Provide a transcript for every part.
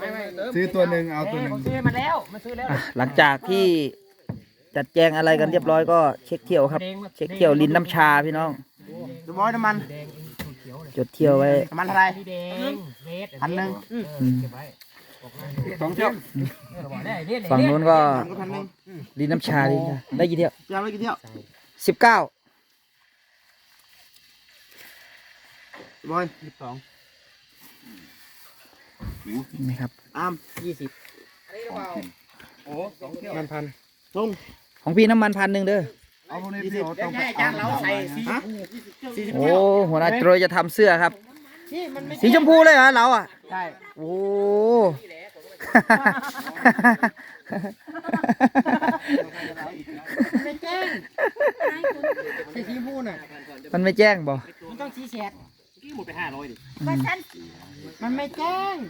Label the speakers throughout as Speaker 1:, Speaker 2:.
Speaker 1: ซื้อตัวหนึ่งเอาตัวหนึ่ง
Speaker 2: ผมซื้อมาแล้วมันซื้อแล้ว
Speaker 3: หลังจากที่จัดแจงอะไรกันเรียบร้อยก็เช็คเที่ยวครับ เช็คเที่ยวลินน้ำชาพี่น้อง
Speaker 2: ดูบอยน้ำมัน
Speaker 3: จดเที่ยวไว้
Speaker 2: น้ำมันเท่าไหร่1,000
Speaker 1: 2 เที่ยว
Speaker 3: ฝั่งนู้นก็
Speaker 2: 1,000
Speaker 3: ลินน้ำชาได้กี่เที่ยว
Speaker 2: ยาวไปกี่เที่ยว
Speaker 3: 19
Speaker 2: บอย
Speaker 3: นี่ครับ
Speaker 2: อาม20โอ้2 เที่ยว1,000ลุง
Speaker 3: ของพี่น้ำมัน1,000เด้อ
Speaker 1: เอาพวกนี้พี่เอาต้อง
Speaker 2: จานเราใส่40
Speaker 3: โอ้หัวหน้าโจรจะทำเสื้อครับ สีชมพูเลยเหรอเราอ่ะ
Speaker 2: ใช่
Speaker 3: โอ้
Speaker 2: ไม่แจ้งใส่สีมูน่ะ
Speaker 3: มันไม่แจ้งบ่
Speaker 2: มันต้องชี้แฉก
Speaker 4: หมดไป500ดิ
Speaker 2: มันไม่แจ้ง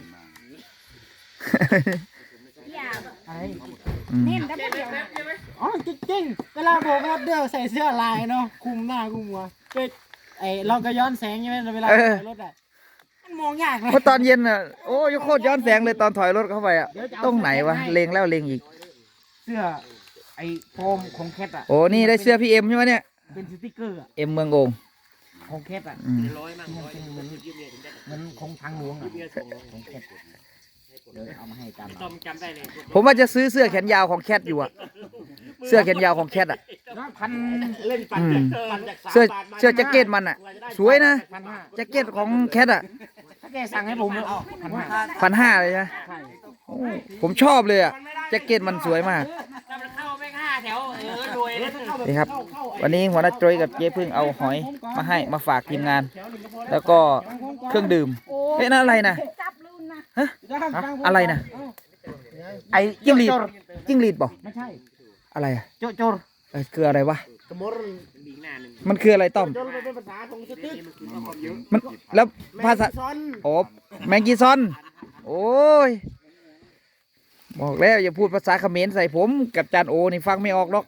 Speaker 2: อะไร
Speaker 3: อืม
Speaker 2: อ๋อจริงๆเวลาโบกรถเดียวใส่เสื้อลายเนาะคุมหน้าคุมหัวก็เราก็ย้อนแสงใช่ไหมเวลาถอยรถอ่ะมันมองยากเลย
Speaker 3: เพราะตอนเย็นอ่ะโอ้ยโคตรย้อนแสงเลยตอนถอยรถเข้าไปอ่ะตรงไหนวะเลงแล้วเลงอีก
Speaker 2: เสื้อโฟมของแคทอ่ะ
Speaker 3: โอ้นี่ได้เสื้อพี่เอ็มใช่ไหมเนี่ย
Speaker 2: เป็นสติ๊กเกอร์อะ
Speaker 3: เอ็มเมืองโอง
Speaker 2: ของแคทอ่ะ
Speaker 3: อืม
Speaker 4: 100มั่ง100เหมือน
Speaker 2: มันของทางหลวงอ่ะของแคทเดี๋ยวเอามาให้จำ
Speaker 4: ต้อมจำได้เลย
Speaker 3: ผมว่าจะซื้อเสื้อแขนยาวของแคทอยู่อ่ะ เสื้อแขนยาวของแคทอ่ะ
Speaker 2: พัน
Speaker 4: เล่นปั่น
Speaker 3: อืม
Speaker 4: ปั่นจาก
Speaker 3: เสื้อ
Speaker 4: 3 บาทมา
Speaker 3: เสื้อแจ็คเก็ตมันอ่ะ สวยนะ
Speaker 2: 1,500
Speaker 3: แจ็คเก็ตของแคทอ่ะ
Speaker 2: ถ้าแกสั่งให้ผมเอา1,500
Speaker 3: 1,500เลยนะ
Speaker 2: ใช่
Speaker 3: โอ้ผมชอบเลยอ่ะแจ็คเก็ตมันสวยมาก
Speaker 4: ถ้ามันเข้าไม่5 แถวรวยเลย
Speaker 3: นี่ครับ วันนี้หัวหน้าโจยกับเจ๊พึ่งเอาหอยมาให้มาฝากทีมงาน แล้วก็เครื่องดื่มเฮ้ยนั่นอะไรนะฮะอะไรนะไอ้จิ้งหรีดจิ้งหรีดบอก
Speaker 2: ไม่ใช่
Speaker 3: อะไรอ่ะ
Speaker 2: โจโจร
Speaker 3: คืออะไรวะ
Speaker 2: กระมร
Speaker 4: อีกหน้าหนึ่ง
Speaker 3: มันคืออะไรต้อม
Speaker 2: โจรเป็นภาษาของสติ๊ก
Speaker 3: มันแล้วภาษา
Speaker 2: ซอน
Speaker 3: โอ้แมงกีซอนโอ้ยบอกแล้วอย่าพูดภาษาเขมรใส่ผมกับจานโอนี่ฟังไม่ออกหรอก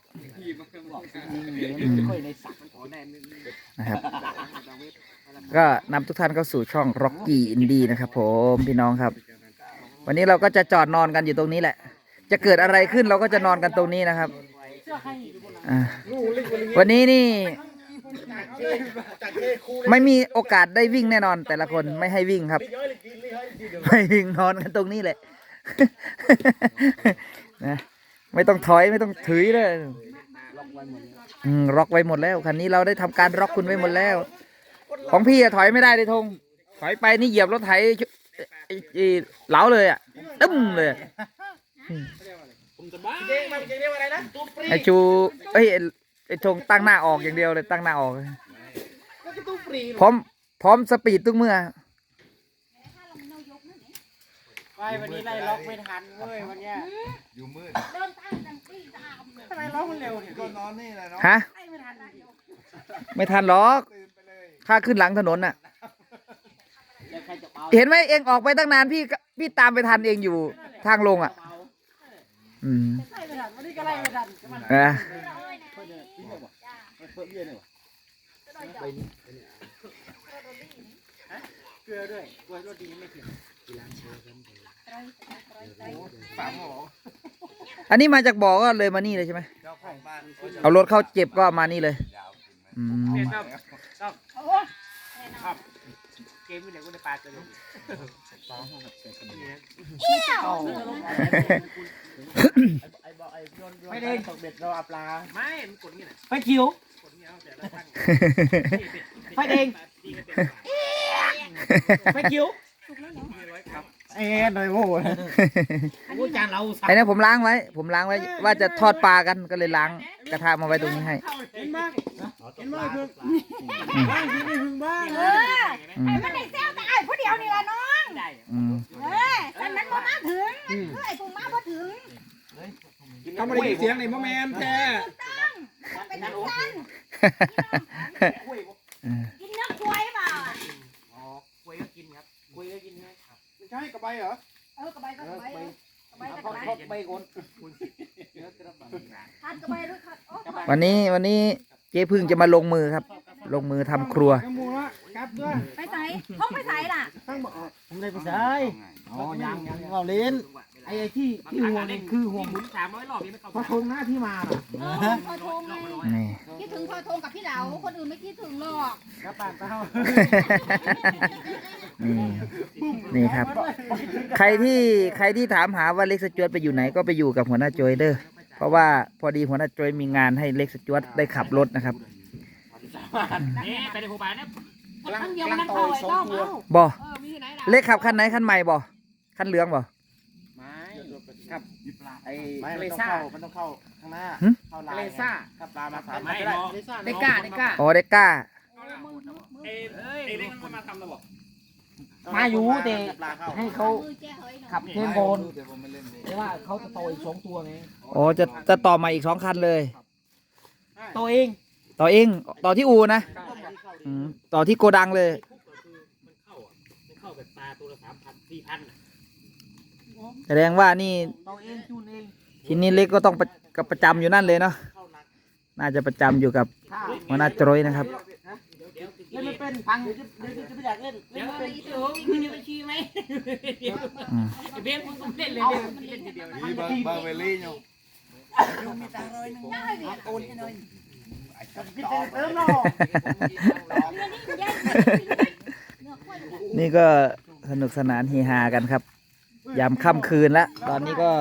Speaker 3: นะครับ ก็นำทุกท่านเข้าสู่ช่อง Rocky Indie นะครับผมพี่น้องครับ วันนี้เราก็จะจอดนอนกันอยู่ตรงนี้แหละ จะเกิดอะไรขึ้นเราก็จะนอนกันตรงนี้นะครับอ่าวันนี้นี่ ไม่มีโอกาสได้วิ่งแน่นอน แต่ละคนไม่ให้วิ่งครับ ไม่วิ่งนอนกันตรงนี้แหละ นะไม่ต้องถอยไม่ต้องถือเลยล็อกไว้หมดแล้วคันนี้เราได้ทำการล็อกคุณไว้หมดแล้ว ของพี่อะถอยไม่ได้เลยธงถอยไปนี่เหยียบรถไถเหลาเลยอ่ะตึ้มเลยไอชูไอธงตั้งหน้าออกอย่างเดียวเลยตั้งหน้าออกพร้อมสปีดทุกเมื่อ
Speaker 2: ไปวันนี้ไล่ล็อกไม่ทันเว้ยวันเนี้ย
Speaker 1: อยู่มืด
Speaker 2: ทำไมล็อกมันเร็วเนี่ย
Speaker 1: ก็นอนนี่แหละเนาะ
Speaker 3: ฮะไม่ทันหรอกข้าขึ้นหลังถนนน่ะ เห็นไหมเองออกไปตั้งนานพี่ตามไปทันเองอยู่ทางลงอ่ะ อืม
Speaker 2: ไล่ไม่ทันวันนี้ก็ไล่ไม่ทัน
Speaker 3: นะ
Speaker 2: เกลือด้วยกลัวรถดีไม่ถึง
Speaker 3: อันนี้มาจากบ่อก็เลยมานี่เลยใช่ไหม
Speaker 1: เจ้าของบ้าน
Speaker 3: เอารถเข้าเจ็บก็มานี่เลยอืม
Speaker 4: เกมไม่เหลือกูในปลาตัวนึง
Speaker 2: ไม่ได้ตกเบ็ดเราเอาปลา
Speaker 4: ไม่มันกดนี่แหละ
Speaker 2: ไปคิว
Speaker 4: กดนี่เอาแต่ละตั้ง
Speaker 2: ไปเองไปคิวหน่อยโว้ยกูจานเรา
Speaker 3: ไอ้นี่ผมล้างไว้ว่าจะทอดปลากันก็เลยล้างกระทะมาไว้ตรงนี้ให้
Speaker 2: เห็นบ้างเห็นบ้างคือบ้างที่ไม่ถึงบ้าง
Speaker 3: อืม
Speaker 5: มันได้เซลแต่ไอ้ผู้เดียวนี่ละน้อง
Speaker 4: ได้
Speaker 3: อืม
Speaker 5: แต่มันบ่มาถึงไอ้ผู้มาบ่ถึง
Speaker 1: ทำอะไรเสียงนี่มะแมนแท้
Speaker 5: ต้องเป็นน้ำตาลกินเนื้อควายเปล่า
Speaker 4: อ๋อคุยก็กินครับคุยก็กินนะครับ
Speaker 1: ไม่ใช่กระใบเหรอ
Speaker 5: กระใบก็กระใบกระใบก็กระใบ
Speaker 2: ใบกน
Speaker 5: ทานกระใบด้วยค่ะ
Speaker 3: วันนี้เจ๊พึ่งจะมาลงมือครับลงมือทำครัว
Speaker 2: กระมูละกลับด้วย
Speaker 5: ไปใส่ห้องไปใส่ล่ะ
Speaker 2: ตั้งบอกผมได้ไปใส่อ๋อยังเราเล่นไอ้ที่ห่วงนี่คือห่วง
Speaker 4: หมุน300 รอบยังไม่เข้า
Speaker 2: พอทงหน้าที่มาล่ะ
Speaker 5: พอโทงไง
Speaker 3: นี่
Speaker 5: คิดถึงพอโทงกับพี่เหลาคนอื่นไม่คิดถึงหรอก
Speaker 2: กระปากเต้า
Speaker 3: นี่ครับ ใครที่ถามหาว่าเล็กสจวตไปอยู่ไหนก็ไปอยู่กับหัวหน้าโจยเด้อเพราะว่าพอดีหัวหน้าโจยมีงานให้เล็กสจวตได้ขับรถนะครับ
Speaker 4: นี่ไปในโรงพยาบาลนะ
Speaker 5: ครั้งเดียวมันเข้าไอ้ต้องเอา
Speaker 3: บ่
Speaker 5: มีที่ไหนล่ะ
Speaker 3: เล็กขับคันไหนคันใหม่บ่คันเหลืองบ่
Speaker 2: ไม่ครับไอ้
Speaker 1: มันต้องเข้าข้างหน้า เข้าลาย
Speaker 2: เลซ่า
Speaker 1: ถ้าปลามาสาม
Speaker 4: ไม่
Speaker 1: ได้
Speaker 4: รอ
Speaker 2: ได้กล้า
Speaker 3: อ๋อเด็กกล้า
Speaker 4: เอ้เล็กมันมาทำแล้วบอก
Speaker 2: มาอยู่แต่
Speaker 1: ปลาเข้า
Speaker 2: ให้เขา
Speaker 5: มือแจ้เฮ้ยเนาะ
Speaker 2: ขับเทมโบน
Speaker 1: แต่ผมไม่เล่นเลย
Speaker 2: แต่ว่าเขาจะโตอีก2 ตัวไง
Speaker 3: อ๋อจะต่อมาอีก2 คันเลย
Speaker 2: โตเอง
Speaker 3: ต่อเองต่อที่อูนะอืมต่อที่โกดังเลย
Speaker 4: มันเข้าแบบปลาตัวละ3,000 4,000
Speaker 3: แสดงว่านี่
Speaker 2: โตเองจูนเอง
Speaker 3: ทีนี้เล็กก็ต้องประจำอยู่นั่นเลยเนาะน่าจะประจำอยู่กับหัวหน้าโจยนะครับ
Speaker 2: เล่นไม่เป็นพังเดี๋ยวจะไม่อยากเล่นเล่
Speaker 4: เดี๋
Speaker 2: น
Speaker 4: ยว
Speaker 2: ไม่
Speaker 4: ไป
Speaker 2: เป็น
Speaker 4: ดูคุณจะไปชี้ไหม
Speaker 3: อืม
Speaker 4: เบี้ยคุณต้องเล่นเลยเล่นทีเดียว
Speaker 1: นี่เบอร์เวลี่อยู่
Speaker 5: ได้เบียร์โอนให้หน่อย
Speaker 2: กินเติมรอ
Speaker 5: เงินนี่แย่เนื้อข้วย
Speaker 3: นี่ก็สนุกสนานเฮฮากันครับ ยามค่ำคืนแล้วตอนนี้ก็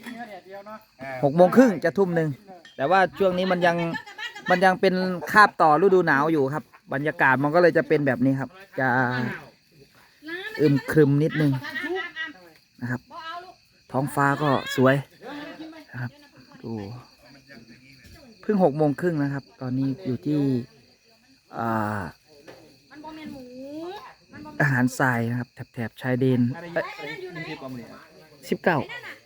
Speaker 3: 6:30จะทุ่มหนึ่งแต่ว่าช่วงนี้มันยังเป็นคาบต่อฤดูหนาวอยู่ครับ บรรยากาศมันก็เลยจะเป็นแบบนี้ครับ จะอึมครึมนิดนึงนะครับ ท้องฟ้าก็สวยนะครับดูเพิ่ง6:30นะครับ ตอนนี้อยู่ที่
Speaker 5: มันบ่แม่นหมูมันบ่
Speaker 3: อาหารทรายนะครับแถบชายแดน19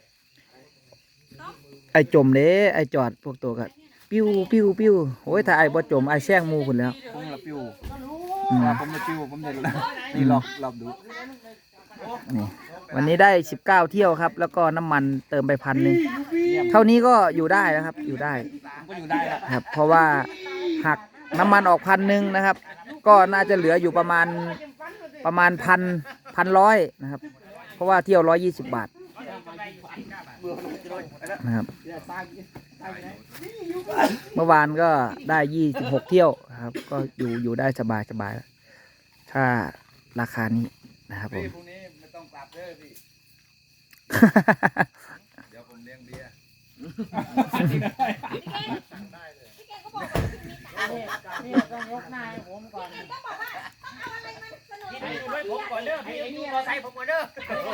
Speaker 3: ไอจมเด้ไอจอดพวกตัวกันปิ้วปิ้วปิ้วโอ้ยถ้าไอบ่จมไอแซงหมูคุณแล้ว
Speaker 1: ผมละปิ้ว
Speaker 3: อืม
Speaker 1: ผมละปิ้วผมเด่นละนี่ลองดู
Speaker 3: นี่วันนี้ได้19เที่ยวครับ แล้วก็น้ำมันเติมไป1,000เท่านี้ก็อยู่ได้นะครับ อยู่ได้
Speaker 1: ผมก็อยู่ได้ละ
Speaker 3: ครับ เพราะว่าหักน้ำมันออก1,000นะครับ ก็น่าจะเหลืออยู่ประมาณ1,100นะครับ เพราะว่าเที่ยว120 บาทนะครับ เมื่อวานก็ได้26เที่ยวนะครับ ก็อยู่ได้สบายแล้วถ้าราคานี้นะครับผม
Speaker 1: พรุ่งนี้ไม่ต้องกลับเด้อพี่ เดี๋ยวผมเลี้ยงเบียร์
Speaker 5: พี่เก่งก็บอกว่ามีตังค์
Speaker 2: นี่ต้องยกหน้าให้ผมก่อน
Speaker 5: ก็บอกว่าเอาอะไรมาเสนอ
Speaker 4: พี่
Speaker 5: ให้
Speaker 4: อยู่
Speaker 5: ค
Speaker 4: ด้วยผมก่อนเด้อพี่อยู่มอไซค์ผมก่อนเด้อ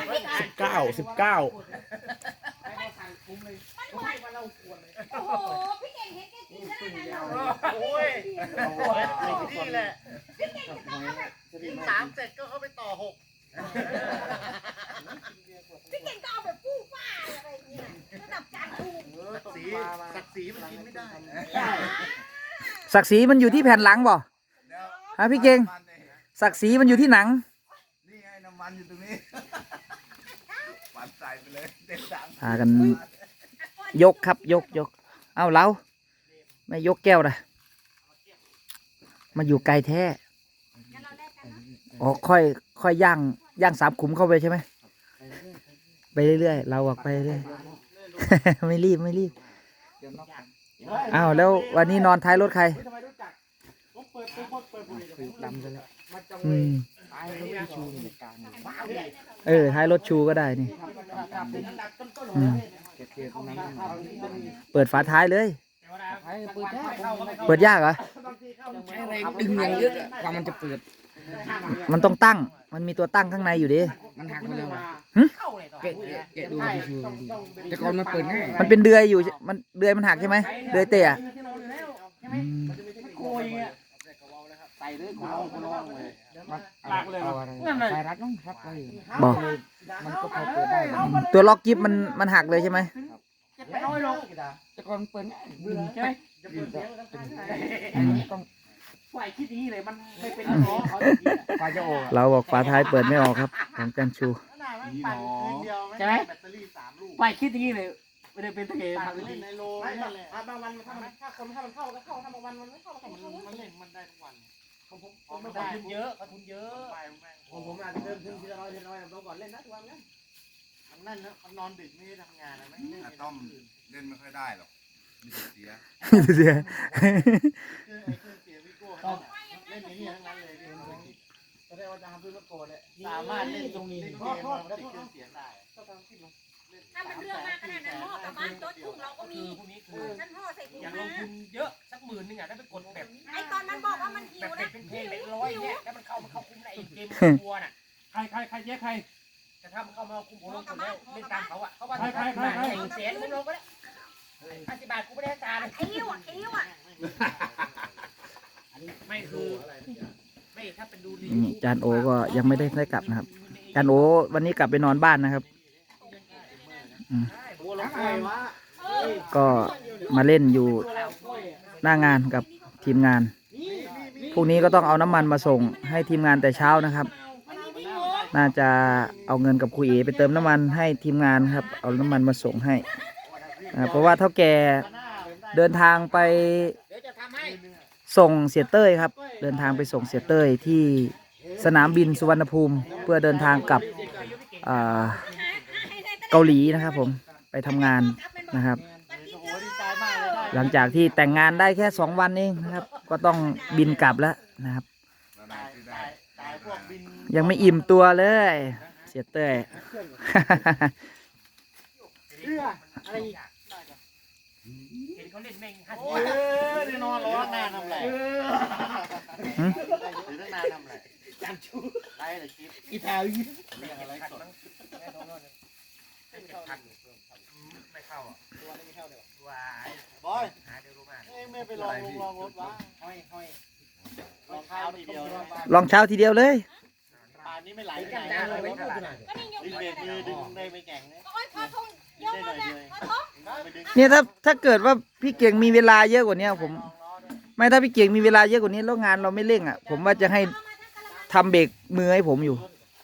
Speaker 5: โอ้โหพี่เก่งเห็นแกกินได้ไงเรา
Speaker 4: โอ้ย
Speaker 1: นี่แหละ
Speaker 5: พี่เก่งจะต้องเอาแบบ
Speaker 1: 3 เสร็จก็เข้าไปต่อ 6
Speaker 5: พี่เก่งก็เอาแบบฟู่ฟ้าอะไรอย่างเงี้ยระดับจานถูก
Speaker 1: ศักดิ์ศรีมันกินไม่ได้
Speaker 3: ศักดิ์ศรีมันอยู่ที่แผ่นหลังบ่ฮะพี่เก่งศักดิ์ศรีมันอยู่ที่หนัง
Speaker 1: นี่ไงน้ำมันอยู่ตรงนี้ ปัดใส่ไปเลยเต็มถัง
Speaker 3: พากันยกครับยกเอ้าเราไม่ยกแก้วนะมาอยู่ไกลแท้อ๋อค่อยย่าง3 ขุมเข้าไปใช่ไหมไปเรื่อยๆเราออกไปเรื่อย ไม่รีบอ้าวแล้ววันนี้นอนท้ายรถใคร
Speaker 2: ทำไมรู้จักผมเปิดบุหรี่
Speaker 3: ดำไปแล้ว
Speaker 2: มาจัง
Speaker 3: อื
Speaker 2: เลย
Speaker 3: ม
Speaker 2: ตายเลยไม่ชูในกลางบ้าเลย
Speaker 3: ท้ายรถชูก็ได้นี่
Speaker 2: ดักต้น
Speaker 3: อืม
Speaker 2: เกียร์ตรงนั้น
Speaker 3: เปิดฝาท้ายเลย
Speaker 2: ใช้เปิดแค่
Speaker 3: เปิดยากเหรอ
Speaker 2: ใช้แรงดึงอย่างเยอะกว่ามันจะเปิด
Speaker 3: มันต้องตั้ง มันมีตัวตั้งข้างในอยู่ดิ
Speaker 2: มันหักมาแล้ว
Speaker 3: หึ
Speaker 2: แกะดูที่ชูแต่ก่อนมันเปิดง่าย
Speaker 3: มันเป็นเดือยอยู่เดือยมันหักใช่ไหมเดือยเตะอืม
Speaker 2: โคยเงี้ยใส่เลยคุณลองเลยลากเลยใส่รัดน้องรัดไป
Speaker 3: บอก
Speaker 2: มันก็พอเปิดได้
Speaker 3: ตัวล็อกกิฟมันหักเลยใช่ไหม
Speaker 2: จะน้อยลงแต่ก่อนเปิดง่ายดึงใช่ไหมต้องฝ่ายคิดอย่างนี้เลยมันไม่เป็นหรอฝ่ายจะโอ้
Speaker 3: เราบอกฝาท้ายเปิดไม่ออกครับของจันชู
Speaker 2: ใช่ไหมฝ่ายคิดอย่างนี้เลยไม่ได้เป็นตะเกียบ
Speaker 4: ตัดเล่นในโล
Speaker 2: ไม่
Speaker 4: นั่นแหละ
Speaker 2: บางวันถ้ามันเข้าก็เข้าถ้าบางวันมันไม่เข้าก็
Speaker 4: มัน
Speaker 2: ไม่เข้า
Speaker 4: มันเล่นมันได้ทุกวัน
Speaker 2: ผมไม่ได้ทุนเยอะทุนเยอะผมอาจจะเดินขึ้นทีละร้อยผมก่อนเล่นนะทุกวันนะ
Speaker 4: มันนั่นนะมันนอนดึกไม่ได้ทำงานนะไม่เล่น
Speaker 1: อาต้อมเล่นไม่ค่อยได้หรอกมีแต่เสีย
Speaker 3: เสีย
Speaker 4: เครื่องเสียวิโก้เล่นในนี่ทั้งนั้นเลย
Speaker 2: จะได้ว่าจะทำเพื่อโกรธเลย
Speaker 4: สามารถเล่นตรงนี้เกมมันติดเครื่องเสียงได้
Speaker 5: ถ้ามันเรื่องมากขนาดนั้นห่อกลับบ้านโต๊ะถุงเราก็มี
Speaker 4: พวกนี้คือ
Speaker 5: ฉันห่อใส่ถุง
Speaker 4: อยากล
Speaker 5: มาง
Speaker 4: ทุนเยอะสัก10,000นึงอ่ะได้ไปกดแบบ
Speaker 5: ไอ้ตอนมันบอกว่ามันหิว
Speaker 4: เป็
Speaker 5: นะ
Speaker 4: นเพลงเป็นร้อยเนี่ยแล้วมันเข้าคุ้มในเกมวัวน่ะ
Speaker 2: ใครแยกใคร
Speaker 4: แต่ถ้ามันเข้ามาคุ้มผมลงทุนแล้วเล่นตามเขาอ่ะเขาว่า
Speaker 2: ใคร
Speaker 4: 1แสนมึงลงก็ได้50 บาทกูไม่ได้จ่ายเลย
Speaker 5: ไอ้หิวอ่ะ
Speaker 4: ไม่คือไม่ถ้าเป็นดูรี
Speaker 3: นี่จานโอก็ยังไม่ได้กลับนะครับจานโอวันนี้กลับไปนอนบ้านนะครับ
Speaker 4: บัวลงกล้วยวะ
Speaker 3: ก็มาเล่นอยู่หน้างานกับทีมงาน พรุ่งนี้ก็ต้องเอาน้ำมันมาส่งให้ทีมงานแต่เช้านะครับ น่าจะเอาเงินกับคุยเอไปเติมน้ำมันให้ทีมงานครับ เอาน้ำมันมาส่งให้เพราะว่าเท่าแก่เดินทางไป
Speaker 4: เดี๋ยวจะทำให้
Speaker 3: ส่งเสียเต้ยครับ เดินทางไปส่งเสียเต้ยที่สนามบินสุวรรณภูมิ เพื่อเดินทางกลับเกาหลีนะครับผมไปทำงานนะครับ หลังจากที่แต่งงานได้แค่2 วันเองนะครับ ก็ต้องบินกลับแล้วนะครับ
Speaker 4: ตายพวกบิน
Speaker 3: ยังไม่อิ่มตัวเลย เสียเต้ย
Speaker 2: อะไรอีก
Speaker 4: เห็นเขาเล่นแม่ง50
Speaker 2: โอ้
Speaker 4: บาท
Speaker 2: ยนอนร้อนนานทำไร
Speaker 3: หืม
Speaker 4: ถือตั้งนานทำไรจันชูไล่เลยคลิป
Speaker 2: อีแถวอี
Speaker 4: เรียกอะไรสดไม่เข้าอ่ะวายบอยหาเดี๋ยวรู้มาก
Speaker 2: เอ้ไม่ไปลองรถวะห้อยรองเท้าทีเดียว
Speaker 3: ลองเช้าทีเดียวเลย
Speaker 2: ป่านนี้ไม่ไหล
Speaker 4: กันดาเลยไม่เท่าไหร่
Speaker 5: ก็นี่ยก
Speaker 4: ดึงเบรกมือดึงได้ไม่แข็งนะ
Speaker 5: โอ้ยพอทงยกมาเนี่ยพอทง
Speaker 4: ไปดึง
Speaker 3: เนี่ยถ้าเกิดว่าพี่เก่งมีเวลาเยอะกว่านี้ผม ไม่ถ้าพี่เก่งมีเวลาเยอะกว่านี้แล้วงานเราไม่เร่งอ่ะ ผมว่าจะให้ทำเบรกมือให้ผมอยู่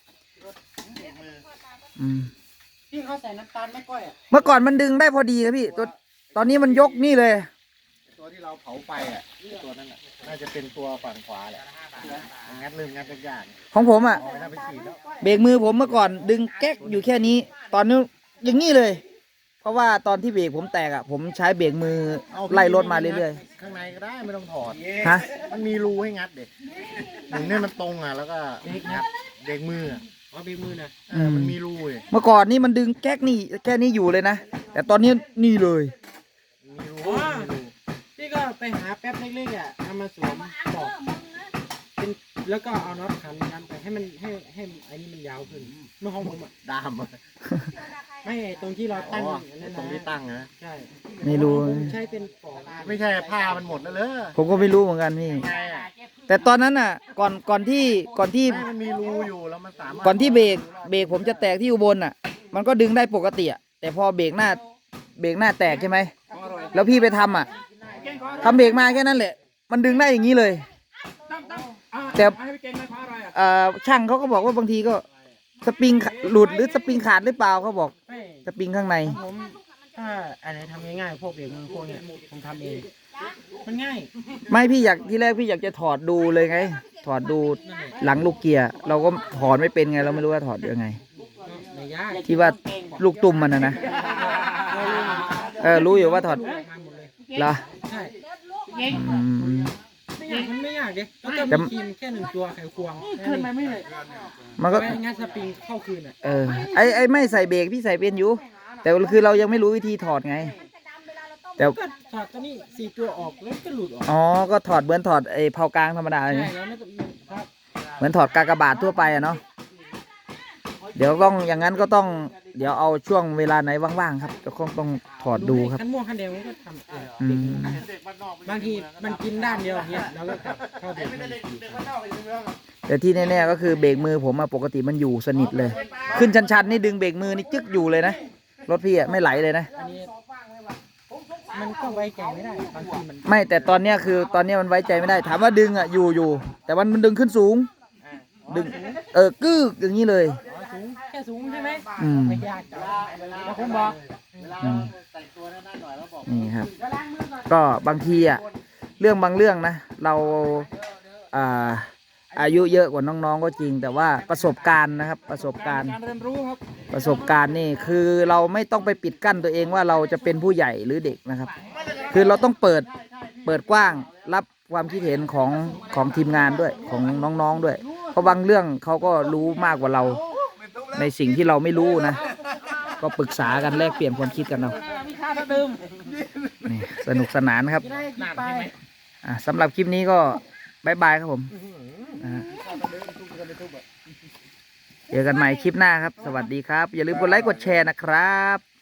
Speaker 3: อืม
Speaker 2: พี่เขาใส่น้ำตาลไม่ก้อยอ่ะ
Speaker 3: เมื่อก่อนมันดึงได้พอดีครับพี่ตอนนี้มันยกนี่เลย
Speaker 4: ตัวที่เราเผาไฟอ่ะตัวนั้นอ่ะน่าจะเป็นตัวฝั่งขวาแหละงัดลืมงัดยาก
Speaker 3: ของผมอ่ะ
Speaker 4: ๆไม่น่าไปฉีดแล้ว
Speaker 3: เบรกมือผมเมื่อก่อนดึงแก๊กอยู่แค่นี้ ตอนนี้อย่างนี้เลย เพราะว่าตอนที่เบรกผมแตกอ่ะ ผมใช้เบรกมือไล่รถมาเรื่อย
Speaker 4: ข้างในก็ได้ไม่ต้องถอด
Speaker 3: ๆฮะ
Speaker 4: มันมีรูให้งัดเด็กหนึ่งเนี่ยมันตรงอ่ะแล้วก็งัดเด็กมืออ่ะ
Speaker 2: เอาเบรกมือนะ
Speaker 4: มันมีรูเลย
Speaker 3: เมื่อก่อนนี่มันดึงแก๊กนี่แค่นี้อยู่เลยนะ แต่ตอนนี้นี่เลย
Speaker 4: มีรู
Speaker 2: พี่ก็ไปหาแป๊บเล็กๆอ่ะทำมาสวมปอกเป็นแล้วก็เอาน็อตขันยันไปให้มันให้ไอ้นี่มันยาวขึ้นเมื่อของผมอ่ะ
Speaker 4: ดามอ่ะ
Speaker 2: ไม่ตรงที่เราตั้ง
Speaker 4: อ๋อ
Speaker 2: อันนั้น
Speaker 4: ตรงที่
Speaker 2: นะ
Speaker 4: ตั้งนะ
Speaker 2: ใช่
Speaker 3: ไม่รู้
Speaker 2: ผมใช้เป็นปอก
Speaker 4: ไม่ใช่ผ้ามันหมดแล้วเลย
Speaker 3: ผมก็ไม่รู้เหมือนกันพี่
Speaker 4: ไงอ่ะ
Speaker 3: แต่ตอนนั้นอ่ะ ก่อนที่
Speaker 4: ไม่มันมีรูอยู่แล้วมันสามารถ
Speaker 3: ก่อนที่เบรกผมจะแตกที่อุบลอ่ะ มันก็ดึงได้ปกติอ่ะแต่พอเบรกหน้าแตกใช่ไหมแล้วพี่ไปทำอ่ะทำเบรกมาแค่นั้นแหละ มันดึงได้อย่างนี้เลย แต่
Speaker 2: ให้พี่เก่งไม่เพราะอะไรอ่ะ
Speaker 3: ช่างเขาก็บอกว่าบางทีก็สปริงหลุดหรือสปริงขาดหรือเปล่าเขาบอก
Speaker 2: ไม่
Speaker 3: สปริงข้างใน
Speaker 2: ผมถ้าอะไรทำง่ายๆพวกเบรกมือพวกเนี้ยผมทำเองมันง่าย
Speaker 3: ไม่พี่ที่แรกพี่อยากจะถอดดูเลยไง ถอดดูหลังลูกเกียร์เราก็ถอดไม่เป็นไง เราไม่รู้ว่าถอดยังไง
Speaker 2: ไม่ยาก
Speaker 3: ที่ว่าลูกตุ่มมันนะรู้อยู่ว่าถอด
Speaker 2: มาหมดเลย
Speaker 3: เหรอ
Speaker 2: ใช่
Speaker 3: อืม
Speaker 2: ไม่ยากมันไม่ยากเด้แล้วก็
Speaker 3: แต่
Speaker 2: มีครีมแค่1 ตัวไขควงขึ้นมาไม่เลย
Speaker 3: มันก็
Speaker 2: ไปงัดสปริงเข้าคืนอ่ะ
Speaker 3: ไอ้ไม่ใส่เบรกพี่ใส่เป็นอยู่ แต่คือเรายังไม่รู้วิธีถอดไง แต่
Speaker 2: ก็ถอดตัวนี้4 ตัวออกแล้วก็หลุดออก
Speaker 3: อ๋อก็ถอดเหมือนถอดไอ้เผากลางธรรมดาเลย
Speaker 2: ใช่
Speaker 3: นะ
Speaker 2: แล้วไม่ต้องครับ
Speaker 3: เหมือนถอดกากบาททั่วไปอะเนาะเดี๋ยวต้องอย่างนั้นก็ต้องเดี๋ยวเอาช่วงเวลาไหนว่างๆครับจะต้องถอดดูครับ
Speaker 2: คันม่วงคันแดงมันก็ทำเอง
Speaker 3: อืม
Speaker 2: บางทีมันกินด้านเดียวเนี่ยแล้วก็กลับเข้าเบรกมือ
Speaker 3: แต่ที่แน่ๆก็คือเบรกมือผมอะปกติมันอยู่สนิทเลย ขึ้นชันๆนี่ดึงเบรกมือนี่จึ๊กอยู่เลยนะรถพี่อะไม่ไหลเลยนะ
Speaker 2: อันนี้มันก็ไว้ใจไม่ได้บางทีมัน
Speaker 3: ไม่แต่ตอนเนี้ยคือตอนเนี้ยมันไว้ใจไม่ได้ ถามว่าดึงอะอยู่แต่มันดึงขึ้นสูง ดึงกึกอย่างนี้เลย
Speaker 2: สูงแค่สูงใช่ไหม
Speaker 3: อืม
Speaker 2: ไม่ยากจ้ะแล้วผมบอก
Speaker 4: เวลาเราแต่งตัวนั่นหน่อยแล้วบอก
Speaker 3: นี่ครับ ก็บางทีอ่ะเรื่องบางเรื่องนะ เราอายุเยอะกว่าน้องๆก็จริง แต่ว่าประสบการณ์นะครับ ประสบการณ์
Speaker 2: การเรียนรู้ครับ
Speaker 3: ประสบการณ์นี่คือเราไม่ต้องไปปิดกั้นตัวเองว่าเราจะเป็นผู้ใหญ่หรือเด็กนะครับ คือเราต้องเปิดกว้างรับความคิดเห็นของทีมงานด้วยของน้องๆด้วย เพราะบางเรื่องเขาก็รู้มากกว่าเราในสิ่งที่เราไม่รู้นะ ก็ปรึกษากันแลกเปลี่ยนความคิดกันเอา
Speaker 2: มีค่าเดิม
Speaker 3: นี่สนุกสนานครับ
Speaker 2: จะได้กินไป
Speaker 3: สำหรับคลิปนี้ก็บายบายครับผมเจอกันใหม่คลิปหน้าครับ สวัสดีครับ อย่าลืมกดไลค์กดแชร์นะครับ